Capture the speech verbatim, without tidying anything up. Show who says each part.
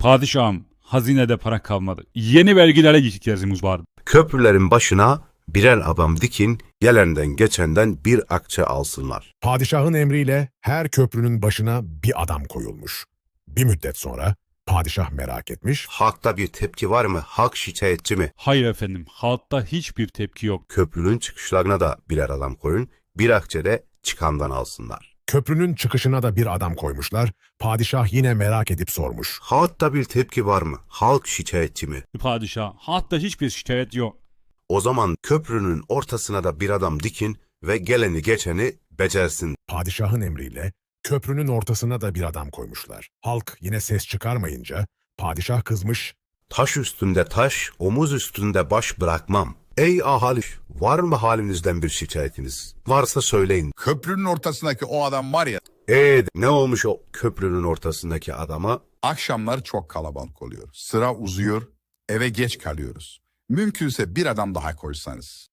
Speaker 1: Padişahım, hazinede para kalmadı. Yeni vergilere ihtiyacımız vardı.
Speaker 2: Köprülerin başına birer adam dikin, gelenden geçenden bir akçe alsınlar.
Speaker 3: Padişahın emriyle her köprünün başına bir adam koyulmuş. Bir müddet sonra padişah merak etmiş,
Speaker 2: Halkta bir tepki var mı? Halk şikayetçi mi?
Speaker 1: Hayır efendim, halkta hiçbir tepki yok.
Speaker 2: Köprünün çıkışlarına da birer adam koyun, bir akçe de çıkandan alsınlar.
Speaker 3: köprünün çıkışına da bir adam koymuşlar. Padişah yine merak edip sormuş.
Speaker 2: Halkta bir tepki var mı? Halk şikayetçi mi?
Speaker 1: Padişah, halkta hiçbir şikayet yok.
Speaker 2: O zaman köprünün ortasına da bir adam dikin ve geleni geçeni becersin.
Speaker 3: Padişahın emriyle köprünün ortasına da bir adam koymuşlar. Halk yine ses çıkarmayınca padişah kızmış,
Speaker 2: Taş üstünde taş, omuz üstünde baş bırakmam. Ey ahali, var mı halinizden bir şikayetiniz? Varsa söyleyin.
Speaker 4: Köprünün ortasındaki o adam var ya,
Speaker 2: Eee ne olmuş o köprünün ortasındaki adama?
Speaker 4: akşamlar çok kalabalık oluyor. Sıra uzuyor, eve geç kalıyoruz. Mümkünse bir adam daha koysanız.